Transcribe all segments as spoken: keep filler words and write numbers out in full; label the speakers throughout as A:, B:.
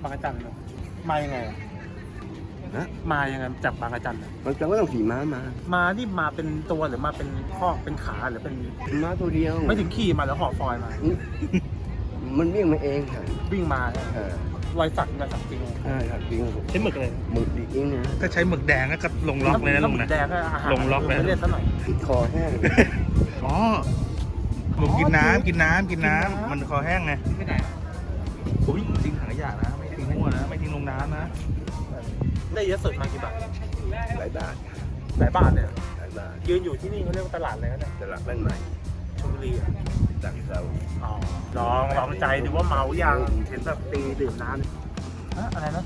A: างกระจันเลยมายังไงนะมายังไงจากบางกระจัน
B: บางจันก็ต้องขี่ม้ามา
A: มานี่มาเป็นตัวหรือมาเป็นข้อเป็นขาหรือเป็น
B: ม้าตัวเดียว
A: ไม่ถึงขี่มาแล้วห่อฟอยมา
B: มันวิ่งมาเองค่ะ
A: วิ่งมา
B: เออ
A: รอยสักรอยสักจริง
B: ใช่ครับจริง
A: ใช้หมึกเลย
B: หมึกจริงนะ
C: ถ้าใช้หมึกแดงก็ลงล็อกเลยนะลุงนะ
A: แดงก็อาหาร
C: ลงล็อกเลย
A: เล่นซะหน่อย
B: คอแห้ง
C: อ๋อหมึกกินน้ำกินน้ำกินน้ำมันคอแห้งไง
A: ไม่ไหน
C: โอ้ยทิ้งถังขยะนะไม่ทิ้งมั่วนะไม่ทิ้งลงน้ำนะ
A: ได้เยอะสุดมากี่บาท
B: หลายบาท
A: หลายบาทเลย
B: หลายบาท
A: ยืนอยู่ที่นี่เขาเรียกว่าตลาดอะไรนะ
B: ตลาดบ้านใหม่
A: ชลบุรีอ่ะ
B: จากเรา
A: อ๋อลองลองใจดูว่าเมายังเห็นแบบตีดื่มน้ำอะอะไรนะ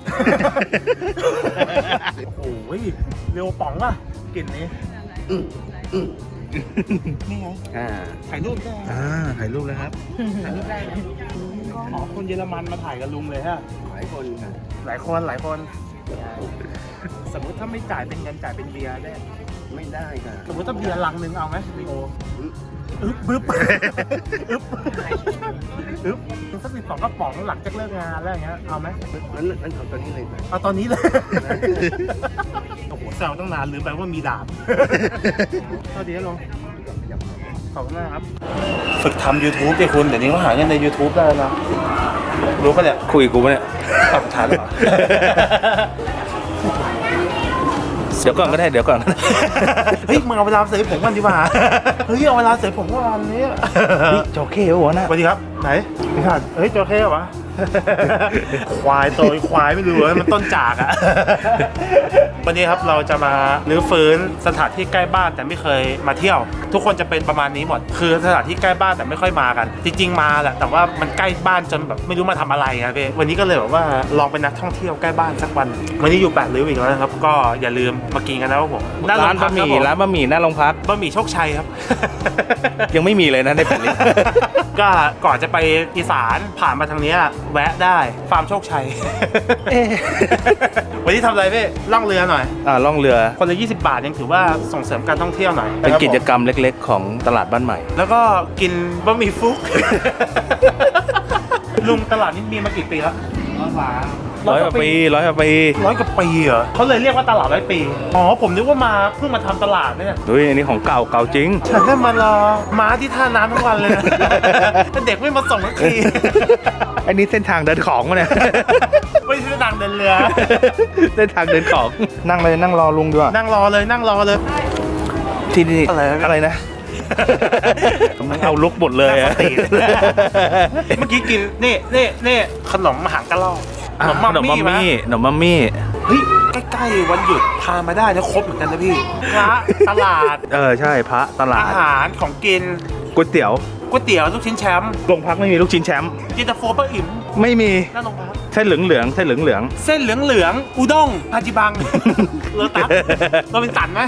A: โอ้โหเร็วป๋องอ่ะกลิ่นนี้นี่ไงถ่ายรูปได้
C: อ่าถ่ายรูปเลยครับ
A: ถ่ายรูปได้อ๋อคนเยอรมันมาถ่ายกับลุงเลยฮะ
B: หลายคนค่ะ
A: หลายคนหลายคนสมมติถ้าไม่จ่ายเป็นเงินจ่ายเป็นเบียร์ได้
B: ไม่ได้ค่ะ
A: สมมติถ้าเบียร์ลังหนึ่งเอาไหมลีโออึ๊บบึ๊บอึ๊บอึ๊บสักสิบสองกระป๋องหลังจากเลิกงานแล้วอย่างเงี้ยเอาไหม
B: นั้นนั้นเอาตอนนี้เลย
A: เอาตอนนี้เลยโอ้โหแซวตั้งนานลืมไปว่ามีดาบสวัสดีครับลุงขอบคุณมากครับฝึกทำ ยูทูบ ดิคุณเดี๋ยวนี้เขาหาเงินใน ยูทูบ ได้แล้วรู้ปะเนี่ย
C: คุยกูปะเนี่ย
A: ตัดฐานเหรอ
C: เดี๋ยวก่อนก็ได้เดี๋ยวก่อน
A: เฮ้ยมึงเอาเวลาเสยผมกันดีกว่าเฮ้ยเอาเวลาเสยผมวันนี้
C: โจเค้หัวนะ
A: สวัสดีครับไหนพี่ขาดเฮ้ยโจเค้วะควายโตยควายไม่รู้เลยมันต้นจากอ่ะวันนี้ครับเราจะมาลื้อฟื้นสถานที่ใกล้บ้านแต่ไม่เคยมาเที่ยวทุกคนจะเป็นประมาณนี้หมดคือสถานที่ใกล้บ้านแต่ไม่ค่อยมากันจริงๆมาแหละแต่ว่ามันใกล้บ้านจนแบบไม่รู้มาทำอะไรครับพี่วันนี้ก็เลยแบบว่าลองเป็นนักท่องเที่ยวใกล้บ้านสักวันวันนี้อยู่แปดริ้วอีกแล้วนะครับก็อย่าลืมมากินกันนะครับผม
C: ร้านบะหมี่ร้านบะหมี่หน้าโรงพัก
A: บะหมี่โชคชัยครับ
C: ยังไม่มีเลยนะในแผ่นนี้
A: ก็ก่อนจะไปอีสานผ่านมาทางนี้แวะได้ฟาร์มโชคชัยวันนี้ทำอะไรพี่ล่องเรือหน่อย
C: อ่าล่องเรือ
A: คนละยี่สิบบาทยังถือว่าส่งเสริมการท่องเที่ยวหน่อย
C: เป็นกิจกรรมเล็กๆของตลาดบ้านใหม่
A: แล้วก็กินบะหมี่ฟุกลุงตลาดนี้มีมากี่ปีแล้ว
C: ร้อยกว่าปีร้อยกว่าปี
A: ร้อยกว่าปีเหรอเขาเลยเรียกว่าตลาดร้อยปีอ๋อผมนึกว่ามาเพิ่งมาทำตลาดเนี่ย
C: เฮ้ยอันนี้ของเก่าเก่าจริง
A: ฉันได้มารอม้าที่ท่าน้ำทั้งวันเลยนะแต่เด็กไม่มาส่งสักที
C: อันนี้เส้นทางเดินของมาเนี่ย
A: ไม่ใช่เส้นทางเดินเรือ
C: เส้นทางเดินของนั่งเลยนั่งรอลุงด้วย
A: นั่งรอเลยนั่งรอเลย
C: ที่นี่อะไรอะไรนะมันเอาลุกหมดเลยอะ
A: เมื่อกี้กินนี่นี่นี่ขนมหางกะล่อ
C: ขนมมัมมี่ขนมมัมมี่
A: เฮ้ยใกล้ๆวันหยุดพามาได้นะครบเหมือนกันนะพี่พระตลาด
C: เออใช่พระตลาด
A: อาหารของกิน
C: ก๋วยเตี๋ยว
A: ก๋วยเตี๋ยวลูกชิ้นแชมป์
C: โรงพักไม่มีลูกชิ้นแชมป์
A: เย็นตาโฟป้าอิ่ม
C: ไม่มี
A: นั่นโรงพัก
C: เส้นเหลืองเหลืองเส้นเหลืองเหลือง
A: เส้นเหลืองเหลืองอุด้งฮาจิบังเลอตัสเราเป็นสันไหม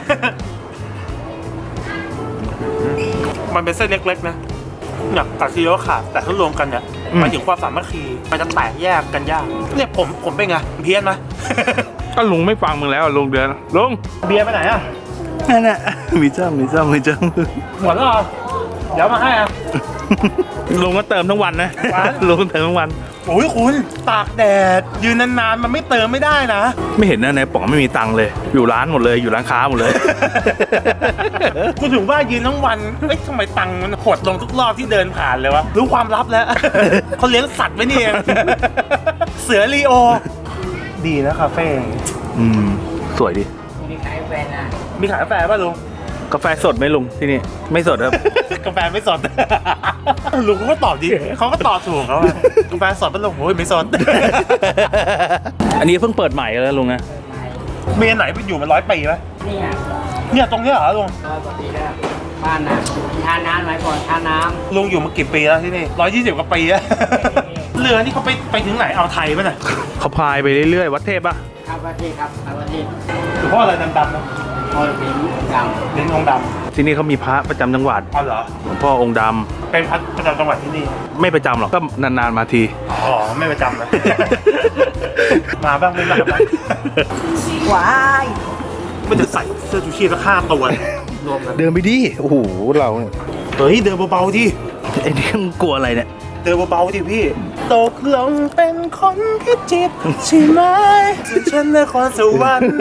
A: มันเป็นเส้นเล็กๆนะอยากตัดซีโร่ขาดแต่ถ้ารวมกันเนี่ยมันถึงความสามัคคีมันจะแตกแยกกันยากเนี่ยผมผมเป็นไงเพี้ยนไหม
C: ก็ลุงไม่ฟังมึงแล้วลุงเดือนลุง
A: เบียร์ไปไหนอ่ะ
C: นั่นน่ะมีจ้ามีจ้ามีจ้า
A: หมดแล้วเหรอเดี๋ยวมาให้อ่ะ
C: ลุงก็เติมทั้งวันนะลุงเติมทั้งวัน
A: โอ้ยคุณตากแดดยืนนานๆมันไม่เติมไม่ได้นะ
C: ไม่เห็นนะในป๋องไม่มีตังค์เลยอยู่ร้านหมดเลยอยู่ร้านค้าหมดเลย
A: คุณถึงว่ายืนทั้งวันเอ้ยทำไมตังค์มันหดลงทุกรอบที่เดินผ่านเลยวะรู้ความลับแล้วเขาเลี้ยงสัตว์ไว้นี่เองเสือลีโอดีนะคาเฟ่
C: อืมสวยดิ
A: มีขายกาแฟนะมีขายกาแฟป่ะลุง
C: กาแฟสดไหมลุงที่นี่ไม่สดครับ
A: กาแฟไม่สดลุงเขาก็ตอบดีเขาก็ตอบถูกเขากาแฟสดป่ะลุงโอ้ยไม่สด
C: อันนี้เพิ่งเปิดใหม่แล้วลุงนะ
A: มีอันไหนไปอยู่มาร้อยปีไหมเนี่ยเนี่ยตรงนี้เหรอลุง
D: ร้อยกว่าปีแล้วบ้านน้ำทาน้ำไหมก่อนทาน้ำ
A: ลุงอยู่มากี่ปีแล้วที่นี่ร้อยยี่สิบกว่าปีแล้วเรือนี่เขาไปไปถึงไหนเอาไทยป่ะเนี่ย
C: เขาพายไปเรื่อยๆวัดเทพป่ะ
D: ครับวัดเทพครับวัดเทพ
A: หรือพ่ออะไรดำๆนะ
D: พ่อเป็นองค์ดำ
A: เป็นองค์ดำ
C: ที่นี่เขามีพระประจำจังหวัด
A: อ๋อเหรอ
C: หลวงพ่อองค์ดำ
A: เป็นพระประจำจังหวัดที่นี่
C: ไม่ประจำหรอกก็นานๆมาที
A: อ๋อไม่ประจำนะมาบ้างไม่มาบ้าง
D: ว้าย
A: มันจะใส่เสื้อชูชีพสักห้าตัวรวมกัน
C: เดินไปดิโอ้โหเรา
A: เฮ้ยเดินเบาๆดิ
C: ไอ้นี่มึงกลัวอะไรเนี่ย
A: เดินเบาๆดิพี่ตกลงเป็นคนพิจิตรใช่ไหมส่วนฉันนครสวรรค์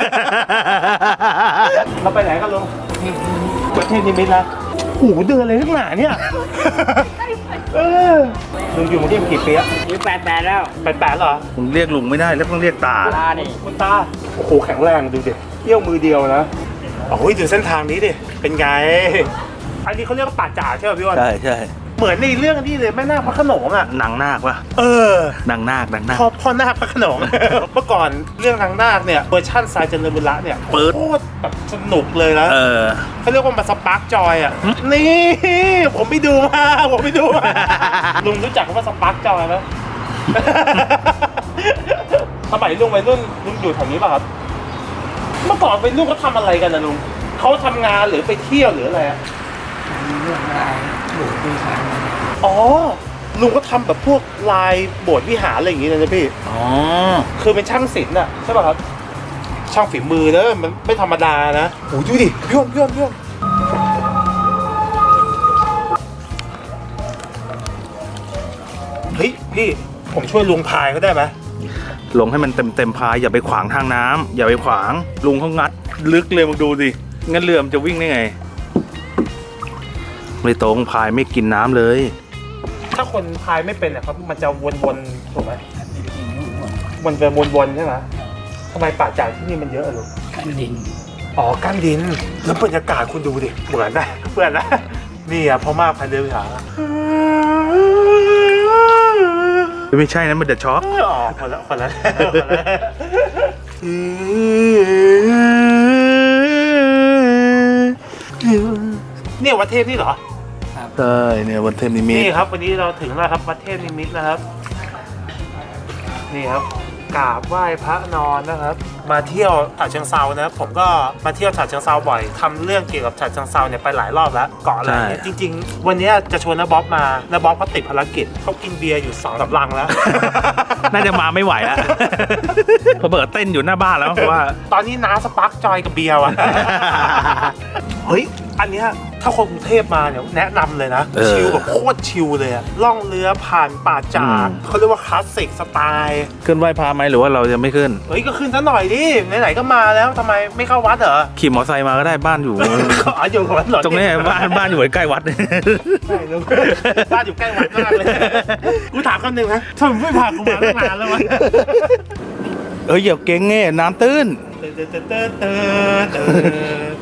A: เราไปไหนกันลุงประเทศนิมิตรนะโอ้โหเดินอะไรทั้งหนาเนี่ยเออลุงอยู่กรุงเทพกี่ปีอะ
D: นี่แปดแปดแล้ว
A: แปดแปดเหรอ
C: ผมเรียกลุงไม่ได้แล้วต้องเรียกตา
D: ตาดิ
A: คุณตาโอ้โหแข็งแรงดูดิเที่ยวมือเดียวนะโอ้ยดูเส้นทางนี้ดิเป็นไงอันนี้เขาเรียกว่าป่าจ่าใช่ไหมพี่วอน
C: ใช่ใช่
A: เหมือนในเรื่องนี้เลยแม่นาคพระโขนงอ่ะ
C: นางนาคปะ
A: เออ
C: นางนาคนางนาค
A: พ่อพ่อนาคพระโขนง เมื่อก่อนเรื่องนางนาคเนี่ยเวอร์ชั่นทรายเจริญบุระเนี่ย
C: เปิด
A: โคตรแบบสนุกเลยนะ
C: เออ
A: เขาเรียกว่ามาสปาร์กจอยอ่ะนี่ผมไปดูมาผมไปดูมา ลุงรู้จักคำว่าสปาร์กจอยไหม สมัยลุงวัยรุ่นลุงอยู่แถวนี้ป่ะครับเมื่อก่อนวัยรุ่นเขาทำอะไรกันนะลุงเขาทำงานหรือไปเที่ยวหรืออะไรอะ
D: เรื่องอะไรอยู่ที่ศาล
A: อ๋อลุงก็ทำแบบพวกลายโบสถ์วิหารอะไรอย่างงี้เลยนะพี่
C: อ๋อ
A: คือเป็นช่างศิลป์อะใช่ป่ะครับ ช่างฝีมือเนอะมันไม่ธรรมดานะโอ้ยดูดิพี่ยมพี่ยมพี่ยมเฮ้ยพี่ผมช่วยลุงพายเขาได้ไหม
C: ลงให้มันเต็มเต็มพายอย่าไปขวางทางน้ำอย่าไปขวางลุงเขางัดลึกเลยมึงดูสิงั้นเรือมันจะวิ่งได้ไงไม่ตรงพายไม่กินน้ำเลย
A: ถ้าคนพายไม่เป็นอะครับมันจะวนๆถูกไหมมันจะวนๆใช่ไหมทำไมป่าจากที่นี่มันเยอะอะลุง
D: กันดิน
A: อ๋อกั้นดินแล้วบรรยากาศคุณดูดิเหมือนนะเหมือนนะนี่อะพ่อมากพันเดือนหา
C: ไม่ใช่นะมันเดือดช็อก
A: อ๋อคนละคนละคนละเนี่ยวัดเทพนี่เหรอ
C: ใช่เนี่ยวันเทมนิมิต
A: นี่ครับวันนี้เราถึงแล้วครับวัดเทพนิมิตรนะครับ นี่ครับกราบไหว้พระนอนนะครับ มาเที่ยวฉะเชิงเซานะครับผมก็มาเที่ยวฉะเชิงเซาบ่อยทำเรื่องเกี่ยวกับฉะเชิงเซาเนี่ยไปหลายรอบแล้วเกาะอะไรเนี่ยจริง ๆ วันนี้จะชวนน้าบ๊อบมาน้าบ๊อบเขาติดภารกิจเขากินเบียร์อยู่สองสามลังแล้ว
C: น่าจะมาไม่ไหวแล้วพอเบิดเต้นอยู่หน้าบ้านแล้วเพราะว่า
A: ตอนนี้น้าสปาร์กจอยกับเบียร์ว่ะ เฮ้ย อันเนี้ยถ้าคนกรุงเทพมาเนี่ยแนะนำเลยนะ
C: เออ
A: ชิลแบบโคตรชิลเลยอะล่องเรือผ่านป่าจา
C: อื
A: ก
C: ม
A: เขาเรียกว่าคลาสสิกสไตล์
C: ขึ้นไหว้พระไหมหรือว่าเราจะไม่ขึ้น
A: เฮ้ย ก็ขึ้นซะหน่อยดิ ไหนๆก็มาแล้วทำไมไม่เข้าวัดเหรอ
C: ขี่มอเตอร์ไซค์มาก็ได้บ้านอยู่
A: อ๋ออยู่กับวัดเหรอ
C: ตรงนี้บ้านบ้านอยู่ใกล้วัด
A: ใช่ลุงบ้านอยู่ใกล้วัดมากเลย กูถามคำหนึ่งนะทำไมไม่พากูมาตั้งนานแล้ววะ
C: เอ้ยอย่าเก่งเง่น้ำตื้น
A: เติร์ดเติร์ดเติร์ดเติร์ดเติร์ด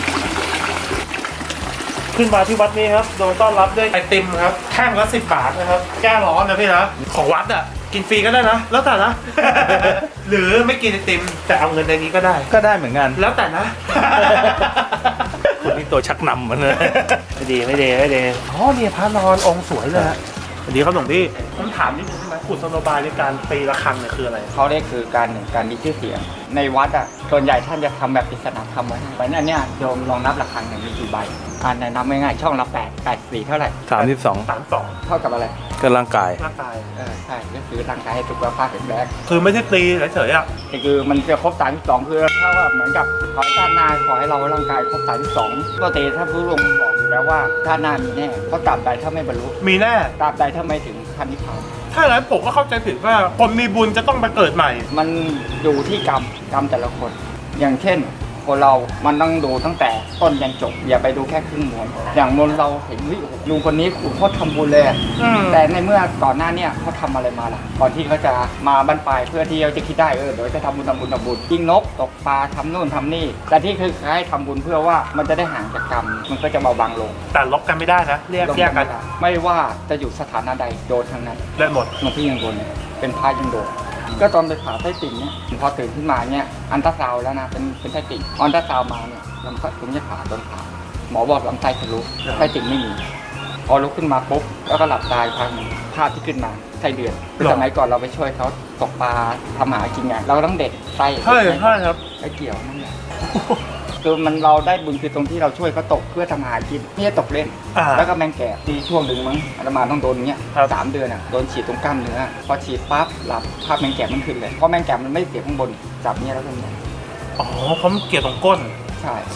A: ขึ้นมาที่วัดนี้ครับโดนต้อนรับด้วยไอติมครับแท่งละสิบบาทนะครับแก้ร้อนนะพี่นะของวัดอ่ะกินฟรีก็ได้นะแล้วแต่นะ หรือไม่กินไอติมแต่เอาเงินในนี้ก็ได้
C: ก็ได้เหมือนกัน
A: แล้วแต่นะ
C: คนนี้ตัวชักนำมันเลย
A: ไม่ดีไม่ดีไม่ดีอ๋อเนี่ยพระนอนองค์สวยเลยฮะสวัสดีครับหลวงพี่ผมถามนิดนึงใช่ไหมกุศโลบายในการตีระฆังเนี่ยคืออะไร
D: เขาเรียกคือการหนึ่งการมีชื่อเสียง ในวัดอ่ะส่วนใหญ่ท่านจะทำแบบปริศนาธรรมไว้ให้เพราะฉะนั้นเนี่ยโยมลองนับระฆังหนึ่งมีกี่ใบอ่านนับง่ายๆช่องละแปดแปดสี่เท่าไหร่
C: สามสิบสอง
A: สามสอง
D: เท่ากับอะไร
C: ก็ร่างกาย
A: ร่างกาย
D: เออใช่ก็คือร่างกายให้สุขภาพแข็งแรง
A: คือไม่ได้ตีเฉยๆอ่ะ
D: แต่คือมันจะครบสามสิบสองคือเท่ากับเหมือนกับขอให้ชาติหน้าขอให้เราร่างกายครบสามสิบสองปกติถ้าผู้ลงบอกอยู่แล้วว่าชาติหน้ามีแน่เพราะตราบใดถ้าไม่บรรลุ
A: มีแน่
D: ตราบใดถ้าไม่ถึงพันนิพพาน
A: ถ้าอย่างนั้นผมก็เข้าใจผิดว่าคนมีบุญจะต้องไปเกิดใหม่
D: มันอยู่ที่กรรมกรรมแต่ละคน อย่างเช่นคนเรา มันต้องดูตั้งแต่ต้นยันจบ อย่าไปดูแค่ครึ่งม้วนอย่างมนเราเห็นวิลุงคนนี้คุณเขาทำบุญเลยอะ
A: อืม
D: แต่ในเมื่อก่อนหน้าเนี่ยเขาทำอะไรมาล่ะ ก่อนที่เขาจะมาบรรปลายเพื่อที่เขาจะคิดได้เออเดี๋ยวจะทำบุญทำบุญทำบุญยิงนกตกปลาทำนู่นทำนี่ แต่ที่คือให้ทำบุญเพื่อว่ามันจะได้ห่างจากกรรม มันก็จะเบาบางลง
A: แต่ลบกันไม่ได้นะเรียกแยกกัน
D: ไม่ว่าจะอยู่สถานะใดโดนทั้งนั้น
A: ได้หมด
D: หลวงพี่ยังโดนเลยเป็นพระยังโดน ก็ตอนไปผ่าไส้ติ่งเนี่ยพอตื่นขึ้นมาเนี่ยอันตราซาวด์แล้วนะเป็นเป็นไส้ติ่งอันตราซาวด์มาเนี่ยลำไส้ผมจะผ่าตอนผ่าหมอบอกลำไส้ทะลุไส้ติ่งไม่มี พอลุกขึ้นมาปุ๊บแล้วก็หลับตายพังภาพที่ขึ้นมาไส้เดือนคือสมัยก่อนเราไปช่วยเขาตกปลาทำหากินไงเราต้องเด็ดไส้
A: ใช่ใช่ครับ
D: ไม่เกี่ยวนั่นแหละ คือมันเราได้บุญคือตรงที่เราช่วยเขาตกเพื่อทำอาหารกินไม่ใช่ตกเล่น
A: อ่า
D: แล้วก็แมงแก่ที่ช่วงหนึ่งมั้งอาตมาต้องโดนอย่างเงี้ย
A: ครับ
D: สามเดือนอ่ะโดนฉีดตรงกล้ามเนื้อพอฉีดปั๊บหลับภาพแมงแก่มันขึ้นเลยเพราะแมงแก่มันไม่เสียบข้างบนจับเนี้ยแล้วก็เนี่ย
A: อ๋อเพราะมันเกี่ยวตรงก้น
D: ใช่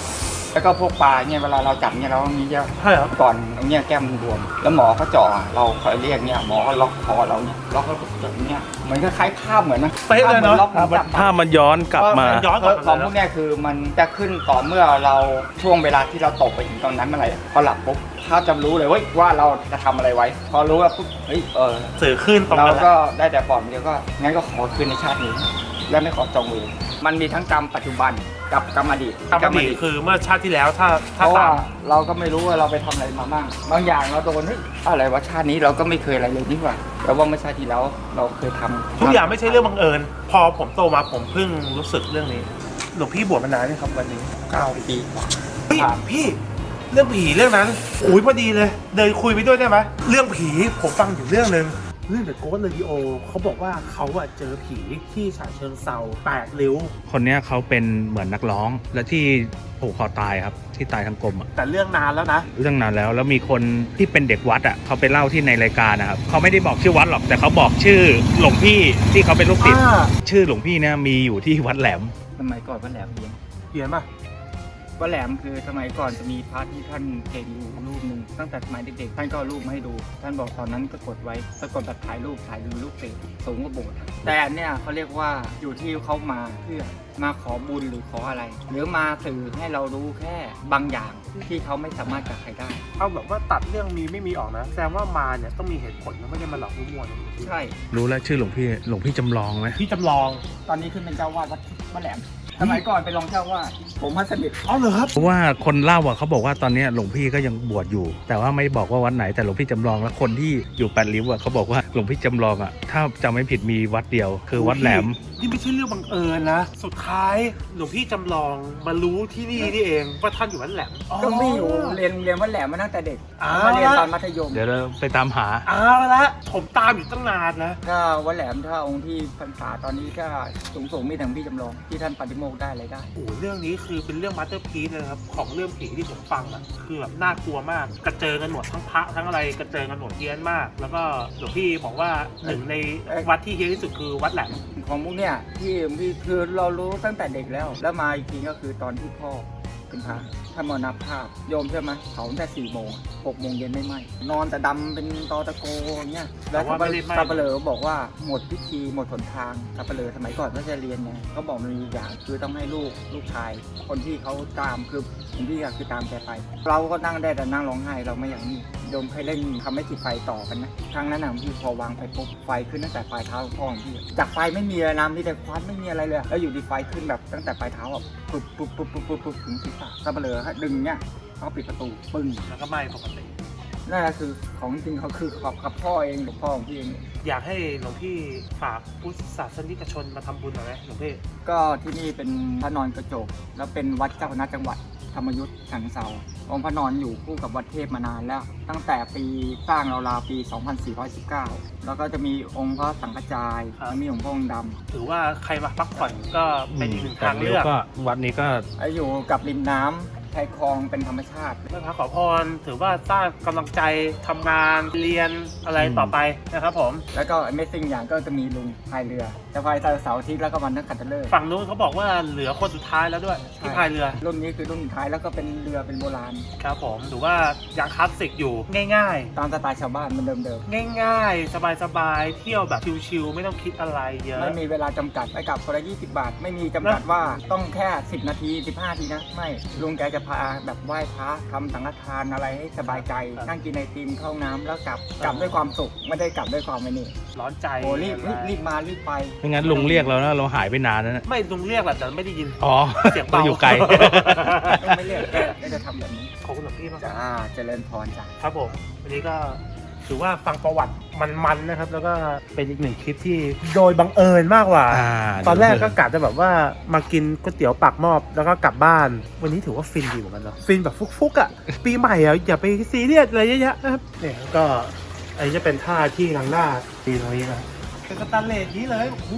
D: แล้วก็พวกปลาเนี่ยเวลาเราจับเนี่ยเราต้องมีเยอะ
A: ใช่ครับ
D: ก่อนตรงเนี้ยแก้มมันบวมแล้วหมอเขาเจาะเราคอยเรียกเนี่ยหมอก็ล็อกคอเราเนี่ยล็อกแล้วแบบเนี้ยเหมือนคล้ายๆภาพเหมือนนะ
A: เป๊ะเลยเนอะ
D: ภาพหมือล็อกเหมือนจับ
C: ถ้ามันย้อนกลับมา
A: ย้อนกลับมา
D: ของพวกเนี้ยคือมันจะขึ้นต่อเมื่อเราช่วงเวลาที่เราตกไปถึงตอนนั้นเมื่อไหร่พอหลับปุ๊บถ้าจะรู้เลยเว้ยว่าเราจะทำอะไรไว้ พอรู้ว่าปุ๊บเฮ้ยเออ
A: สื่อขึ้นตรง
D: เรา
A: นั้นแหละ
D: ก็ได้แต่ปลอบเดียวก็งั้นก็ขอคืนในชาตินี้ และไม่ขอจองเวรมันมีทั้งกรรมปัจจุบันกับกรรมอดีต
A: กรรมอดีตคือเมื่อชาติที่แล้วถ้า
D: เพ
A: ถ้า
D: ราะว่า
A: ตาม
D: เราก็ไม่รู้ว่าเราไปทำอะไรมาบ้างบางอย่างเราโดนเฮ้ยอะไรวะชาตินี้เราก็ไม่เคยอะไรเลยนี่หว่าแต่ว่าเมื่อชาติที่แล้วเราเคยทำ
A: ทุกอย่างไม่ใช่เรื่องบังเอิญ พอผมโตมาผมเพิ่งรู้สึกเรื่องนี้หลวงพี่บวชมานานนี่ครับวันนี้
D: เก้าปีกว่า
A: เฮ้ยพี่เรื่องผีเรื่องนั้นอุ้ยพอดีเลยเดินคุยไปด้วยได้ไหมเรื่องผีผมฟังอยู่เรื่องนึงเรื่อง The Ghost Radio เขาบอกว่าเขาอะเจอผีที่ฉะเชิงเซาแปดริ้ว
C: คนเนี้ยเขาเป็นเหมือนนักร้อง และที่ผูกคอตายครับ ที่ตายทั้งกลมอะ
A: แต่เรื่องนานแล้วนะ
C: เรื่องนานแล้วแล้วมีคนที่เป็นเด็กวัดอ่ะเขาไปเล่าที่ในรายการนะครับเขาไม่ได้บอกชื่อวัดหรอกแต่เขาบอกชื่อหลวงพี่ที่เขาเป็นลูกศิษย์
A: อ่า
C: ชื่อหลวงพี่เนี่ยมีอยู่ที่วัดแหลม
D: สมัยก่อนวัดแหลมเพียง
A: เขียนป่ะ
D: วัดแหลมคือสมัยก่อนจะมีพระที่ท่านเก่งอยู่รูปหนึ่งตั้งแต่สมัยเด็กๆท่านก็เอารูปมาให้ดู ท่านบอกตอนนั้นก็กดไว้ปรากฏแบบถ่ายรูปถ่ายดูรูปเปรตสูงกว่าโบสถ์แต่อันเนี่ยเขาเรียกว่าอยู่ที่เขามาเพื่อมาขอบุญหรือขออะไร หรือมาสื่อให้เรารู้แค่บางอย่างที่เขาไม่สามารถจับใครได้
A: เอาแบบว่าตัดเรื่องมีไม่มีออกนะแสดงว่ามาเนี่ยต้องมีเหตุผลนะไม่ได้มาหลอกลวงนะ
D: ใช่
C: รู้แล้วชื่อหลวงพี่หลวงพี่จำลองไหม
A: พี่จำลอง
D: ตอนนี้ขึ้นเป็นเจ้าวาดวัดวัดแหลมสมัยก่อนเป็นรองเจ้าวาดผมพัสมิท
A: อ๋อเหรอครับ
C: เพราะว่าคนเล่าอ่ะเขาบอกว่าตอนเนี้ยหลวงพี่ก็ยังบวชอยู่ แต่ว่าไม่บอกว่าวัดไหนแต่หลวงพี่จำลองแล้วคนที่อยู่แปดริ้วอ่ะเขาบอกว่าหลวงพี่จำลองอ่ะถ้าจำไม่ผิดมีวัดเดียวคือวัดแหลม
A: นี่ไม่ใช่เรื่องบังเอิญนะ สุดท้ายหลวงพี่จำลองมารู้ที่นี่นี่เองว่าท่านอยู่วัดแหลม
D: ก็ไม่อยู่เรียนเรียนวัดแหลมมาตั้งแต่เด็ก
A: อ่า
D: มาเรียนตอนมัธยม
C: เดี๋ยวเราไปตามหา
A: เอาละผมตามอยู่ตั้งนานนะ
D: ก็วัดแหลมถ้าองค์ที่พรรษาตอนนี้ก็สูงสูงๆมีแต่พี่จำลองที่ท่านปฏิโมกข์ได้อะไรได้
A: โอ้โหเรื่องนี้คือเป็นเรื่องมาสเตอร์พีซเลยนะครับของเรื่องผีที่ผมฟังอะคือแบบน่ากลัวมากกระเจิงกันหมดทั้งพระทั้งอะไรกระเจิงกันหมดเฮี้ยนมาก แล้วก็หลวงพี่บอกว่าหนึ่งในวัดที่เฮี้ยนที่สุดคือวัดแหลม
D: ของมุกเนี่ยที่พี่คือเรารู้ตั้งแต่เด็กแล้ว แล้วมาอีกทีก็คือตอนที่พ่อเป็นพระท่านมรณภาพโยมใช่ไหมเผาตั้งแต่สี่โมงหกโมงเย็นไม่ไหมนอนแต่ดำเป็นตอตะโกอย่างเงี้ยแล้ว
A: แต่ว่าไม่ได้ไหม้
D: สับปะเลอบอกว่าหมดพิธีหมดหนทางสับปะเลอสมัยก่อนก็จะเรียนไงเขาบอกมันมีอย่างคือต้องให้ลูกลูกชาย คนที่เขาตามคือผมพี่ก็คือตามแกไป เราก็นั่งได้แต่นั่งร้องไห้เราไม่อย่างนี้โยมเคยเล่นทำให้ติดไฟต่อกันนะครั้งนั้นน่ะพี่พอวางไปปุ๊บไฟขึ้นตั้งแต่ปลายเท้าพ่อของพี่จากไฟไม่มีอะไรนะมีแต่ควันไม่มีอะไรเลยแล้วอยู่ดีไฟขึ้นแบบตั้งแต่ปลายเท้าอ่ะปุ๊บปุ๊บปุ๊บปุ๊บปุ๊บปุ๊บถึงศีรษะสับปะเลอฮะดึงเนี่ยเขาปิดประตูปึ้ง
A: แล้วก็ไม่ปกติ
D: นั่นแหละคือของจริงเขาคือขอบกับพ่อเองกับพ่อของพี่เอง
A: อยากให้หลวงพี่ฝากพุทธศาสนิกชนมาทำบุญหน่อยไหมหลวงพี่
D: ก็ที่นี่เป็นพระนอนกระจกแล้วเป็นวัดเจ้าคณะจังหวัดธรรมยุทธ์ฉะเชิงเทราองค์พระนอนอยู่คู่กับวัดเทพมานานแล้ว ตั้งแต่ปีสร้างราวๆปี สองพันสี่ร้อยสิบเก้า แล้วก็จะมีองค์พระสังฆจาย
A: ครับ
D: แล้วมีองค์พระองค์ด
A: ถือว่าใครมาพักผ่อนก็เป็นอีกหนึ่งทางเลือก
C: ก็วัดนี้ก็
D: ำแล้วอยู่กับริมน้ำชายคลองเป็นธรรมชาติ
A: ไหว้พระขอพรถือว่าสร้างกำลังใจทำงานเรียนอะไรต่อไปนะครับผม
D: แล้วก็ Amazing อย่างก็จะมีลุงพายเรือจะพายเสาร์อาทิตย์แล้วก็วันนักขัตฤกษ์
A: ฝั่งนู้นเขาบอกว่าเหลือคนสุดท้ายแล้วด้วยที่พายเรือ
D: รุ่นนี้คือรุ่นสุดท้ายแล้วก็เป็นเรือเป็นโบราณ
A: ครับผมถือว่ายังคลาสสิกอยู่ง่าย
D: ตามสไตล์ชาวบ้านมันเดิม
A: ๆ ง่ายๆ สบายๆ เที่ยวแบบชิลๆไม่ต้องคิดอะไรเย
D: ๆ
A: อะ
D: ไม่มีเวลาจำกัดไปกลับคนละยี่สิบบาท ไม่มีจำกัดว่าต้องแค่สิบนาทีสิบห้านาทีนะไม่ลุงแกจะพาแบบไหว้พระทำสังฆทานอะไรให้สบายใจ
A: ครับ
D: นั่งกินไอติมเข้าน้ำแล้วกลับกลับด้วยความสุขไม่ได้กลับด้วยความไม่นี่
A: ร้อนใจ
D: โอ้รีบรีบรีบมารีบไป
C: ไม่งั้นลุงเรียกเรานะเราหายไปนานแล้วนะ
A: ไม่ลุงเรียกแหละแต่ไม่ได้ยิน
C: อ๋อ
A: เสียงเบา
C: อยู่ไกล
D: ต้องไม่เรียกแกแกจะทำแบบนี้
A: ขอบคุณหลวงพี่มาก
D: จ้าเจริญพรจ้า
A: ครับผมวันนี้ก็ถือว่าฟังประวัติมันๆนะครับ แล้วก็เป็นอีกหนึ่งคลิปที่โดยบังเอิญมากกว่า
C: อ่า
A: ตอนแรกก็กะจะแบบว่ามากินก๋วยเตี๋ยวปากหม้อแล้วก็กลับบ้าน วันนี้ถือว่าฟินดีเหมือนกันเนาะฟินแบบฟุกๆอ่ะ ปีใหม่อ่ะอย่าไปซีเรียสอะไรเยอะแยะนะครับเนี่ยก็อันนี้จะเป็นท่าที่ทางหน้าตีตรงนี้นะเป็นสแตนเลสนี้เลยโอ้โห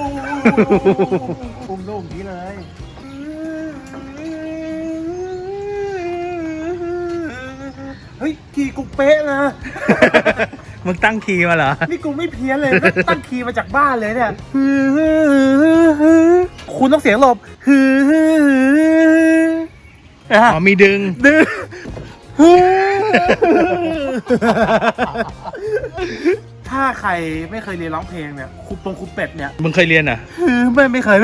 A: อุ้มนุ่มนี้เลยเฮ้ยกี่กูเป๊ะนะ
C: มึงตั้งคีย์มาเหรอ
A: นี่กูไม่เพี้ยนเลยก็ตั้งคีย์มาจากบ้านเลยเนี่ยคุณต้องเสียงหลบอ่ะ
C: อ๋อมีดึง
A: ดึงถ้าใครไม่เคยเรียนร้องเพลงเนี่ยครูปงครูเป็ดเนี่ย
C: มึงเคยเรียนอ่ะ
A: ไม่ไม่เคย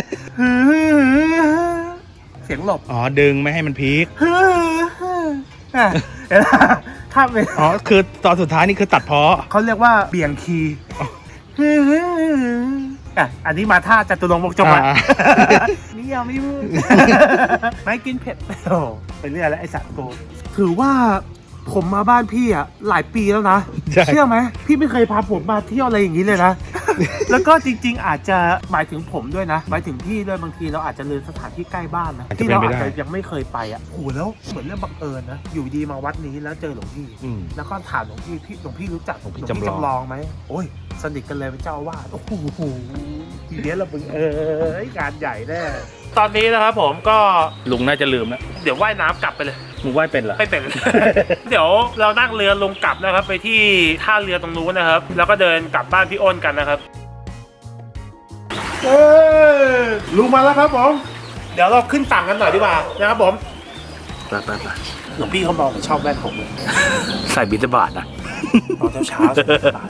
A: เสียงหลบ
C: อ๋อดึงไม่ให้มันพีค
A: อ่ะเห็นไหมถ้าเป็น
C: อ๋อคือตอนสุดท้ายนี่คือตัดเพาะ
A: เขาเรียกว่าเบี่ยงคีย์อ่ะอันนี้มาท่าจตุรงค์วงศ์จงละ
C: อ่า
A: นี่ยังไม่พูดไม่กินเผ็ดโอ้ไปเรื่อยแล้วไอสัตว์โกถือว่าผมมาบ้านพี่อ่ะหลายปีแล้วนะ
C: ใช่
A: เชื่อไหมพี่ไม่เคยพาผมมาเที่ยวอะไรอย่างนี้เลยนะ แล้วก็จริง ๆ อาจจะหมายถึงผมด้วยนะหมายถึงพี่ด้วยบางทีเราอาจจะลืมสถานที่ใกล้บ้านนะที่เราอาจจะยังไม่เคยไปอ่ะโอ้โหแล้วเหมือนเรื่องบังเอิญนะอยู่ดีมาวัดนี้แล้วเจอหลวงพี่
C: อืม
A: แล้วก็ถามหลวงพี่พี่หลวงพี่รู้จัก
C: หลวงพี่จำลอง
A: ลองไหมโอ้ยสนิทกันเลยเป็นเจ้าอาวาสโอ้โหทีเนี้ยเราบึงเอองานใหญ่แน่ตอนนี้นะครับผมก็
C: ลุงน่าจะลืมแล้ว
A: เดี๋ยวว่ายน้ำกลับไปเลย
C: มึงว่ายเป็นเหรอ
A: ไม่เป็น เดี๋ยวเรานั่งเรือลงกลับนะครับ ไปที่ท่าเรือตรงนู้นนะครับ แล้วก็เดินกลับบ้านพี่อ้นกันนะครับเออลุงมาแล้วครับผมเดี๋ยวเราขึ้นฝั่งกันหน่อยดีกว่านะครับผม
C: ไปไปไป
A: หลวงพี่เขามองผมชอบแว่นผมเลย
C: ใส่บิณฑบาตนะ
A: ตอนเช้าเช้าๆ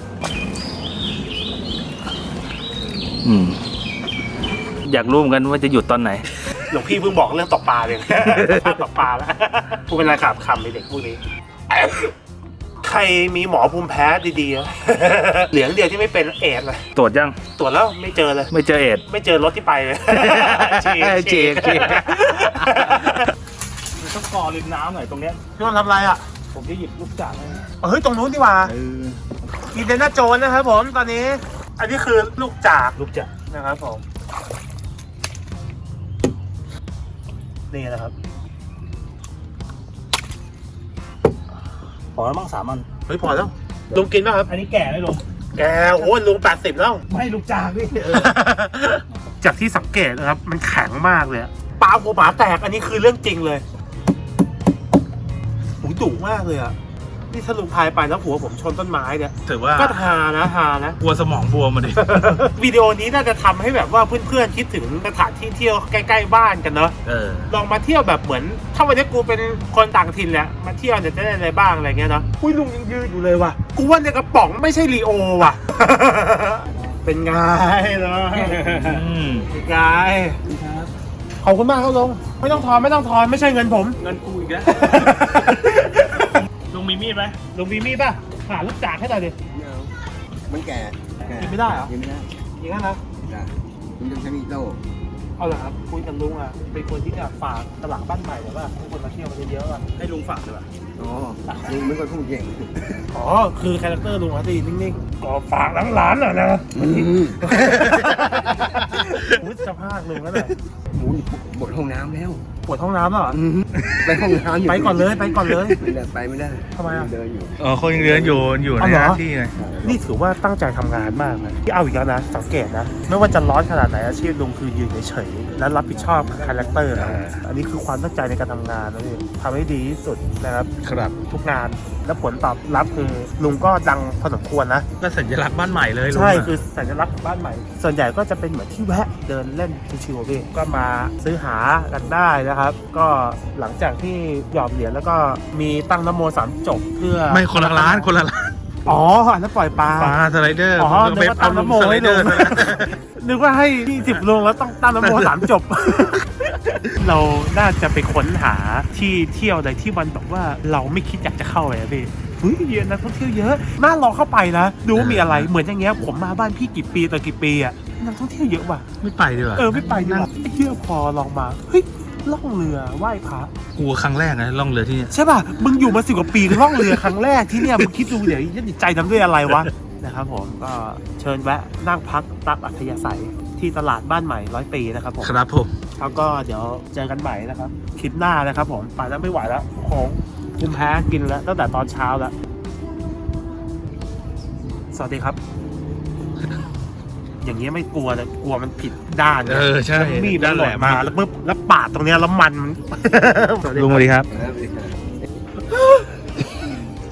C: อืมอยากรู้เหมือนกันว่าจะหยุดตอนไหน
A: หลวงพี่เพิ่งบอกเรื่องตกปลาเลย ภาพตกปลาแล้วพูดเป็นไรขาบคำในเด็กพวกนี้ ใครมีหมอภูมิแพ้ดีๆ เหลืองเดียวที่ไม่เป็นเอดส์เลย
C: ตรวจยัง
A: ตรวจแล้วไม่เจอเลย
C: ไม่เจอเอดส์
A: ไม่เจอรถที่ไปเลย ฉีก
C: ฉีกฉีก
A: ต้องก่อริมน้ำหน่อยตรงเนี้ยพี่วันทำอะไรอ่ะ ผมจะหยิบลูกจากเฮ้ยตรงนู้นดีกว่าอินเดน่าโจนนะครับผมตอนนี้ อันนี้คือลูกจากลูกจากนะครับผมนี่นะครับ
C: พอแล้วมั้งสามอัน
A: เฮ้ยพอแล้วลุงกินป่ะครับ
C: อันนี้แก่ไหมลุง
A: แกโอ้ยลุงแปดสิบแล้ว
C: ไม่ลูกจากพี่
A: จากที่สังเกตนะครับ มันแข็งมากเลยอะปลาหัวหมาแตกอันนี้คือเรื่องจริงเลยหูดุมากเลยอ่ะนี่ถ้าลุงพายไปแล้วหัวผมชนต้นไม้เนี่ย
C: ถือว่า
A: ก็ฮานะฮานะ
C: กลัวสมองบวมมาดิ
A: วิดีโอนี้น่าจะทำให้แบบว่าเพื่อนๆคิดถึงสถานที่เที่ยวใกล้ๆบ้านกันเนาะ
C: เออ
A: ลองมาเที่ยวแบบเหมือน ถ้าวันนี้กูเป็นคนต่างถิ่นแหละมาเที่ยวเนี่ยจะได้อะไรบ้างอะไรเงี้ยเนาะอุ้ยลุงยังยืนอยู่เลยว่ะกูว่าในกระป๋องไม่ใช่ลีโอว่ะ เป็นไงเนาะ
C: อืม
A: เป็นไงขอบคุณมากครับลุงไม่ต้องทอนไม่ต้องทอนไม่ใช่เงินผม
C: เงินกูอีกแล้ว ลุงมีมีดไหม
A: ลุงมีมีดป่ะหาลูกจากให้หน่อยดิ
B: ไม่เอามันแก่แก่
A: กินไม่ได้เหรอ
B: กินไม่ได้
A: อย่างนั้นนะ
B: จ้ะคุณต้องใช้มีดโต้
A: เอาเหรอครับคุยกับลุงอ่ะเป็นคนที่จะฝากตลาดบ้านใหม่หรือว่าให้คนมาเที่ยวกันเยอะๆอ่ะให้ลุงฝากด้วย
B: อ๋อลุงไม่ค่อยพูดเก่ง
A: อ๋อคือคาแรคเตอร์ลุงเขาจะนิ่งๆก็ฝากหลานๆหน่อยนะ
B: อืม
A: มุดสภาพลุงแล้วหน่อย
B: หมูบดห้องน้ำแล้ว
A: ปวดห้องน้ำแล้วเหรอ
B: อืมไปห้องน้ำอยู่
A: ไปก่อนเลยไปก่อนเลย
B: ไม่ได้ไปไม่ได้
A: ทำไมอ่ะ
B: เดินอยู่
C: อ๋อเขายังเรียนอยู่อยู่ใน
A: เอาเหรอ
C: หน้าที่ไง
A: นี่ถือว่าตั้งใจทำงานมากนะที่เอาอีกแล้วนะสังเกตนะไม่ว่าจะร้อนขนาดไหนอาชีพลุงคือยืนเฉยๆและรับผิดชอบคาแรคเตอร์นะอันนี้คือความตั้งใจในการทำงานนะพี่ทำให้ดีที่สุดนะครับ
C: ครับ
A: ทุกงานและผลตอบรับคือลุงก็ดังพอสมควรนะ
C: ก็สัญลักษณ์บ้านใหม่เลยลุง
A: ใช่
C: อะ
A: คือสัญลักษณ์ของบ้านใหม่ ส่วนใหญ่ก็จะเป็นเหมือนที่แวะเดินเล่นชิวๆพี่ก็มาซื้อหากันได้นะครับ ก็หลังจากที่หยอดเหรียญแล้วก็มีตั้งนโมสามจบเพื่อ
C: ไม่คนละร้านคนละร้าน
A: อ๋ออันนั้นปล่อยปลา
C: ปลาสไลเดอร์
A: อ๋อ
C: ผม
A: นึกว่าตั้งนโม
C: สไล
A: ให้
C: เด
A: ลุ
C: อร์
A: ง นึกว่าให้ยี่สิบลงแล้วต้องตั้งนโมสามจบ เราน่าจะไปค้นหาที่เที่ยวใดที่มันแบบว่าเราไม่คิดอยากจะเข้าเลยอะพี่เฮ้ยเยอะนักท่องเที่ยวเยอะน่าลองเข้าไปนะดูว่ามีอะไรเหมือนอย่างเงี้ยผมมาบ้านพี่กี่ปีต่อกี่ปีอะนักท่องเที่ยวเยอะว่ะ
C: ไม่ไปดีกว่า
A: เออไม่ไปดีกว่าเที่ยวพอลองมาเฮ้ยล่องเรือไหว้พระ
C: กลัวครั้งแรกนะล่องเรือที่เนี่ย
A: ใช่ป่ะมึงอยู่มาสิบกว่าปีล่องเรือครั้งแรกที่เนี่ยมึงคิดดูเดี๋ยวจิตใจทำด้วยอะไรวะนะครับผมก็เชิญแวะนั่งพักตักอัธยาศัยที่ตลาดบ้านใหม่ร้อยปีนะครับผม
C: ครับผม
A: แล้วก็เดี๋ยวเจอกันใหม่นะครับคลิปหน้านะครับผมไปแล้วไม่ไหวแล้วของคุมแพ้กินแล้วตั้งแต่ตอนเช้าแล้วสวัสดีครับ อย่างเงี้ยไม่กลัวเลยกลัวมันผิดด้าน
C: เออใช่
A: แล้วมีดมันหล่น
C: ด้านแหลม
A: มาแล้วปุ๊บแล้วปาดตรงเนี้ยแล้วมัน
C: ลุงสวัสดีครับ
B: นะครับ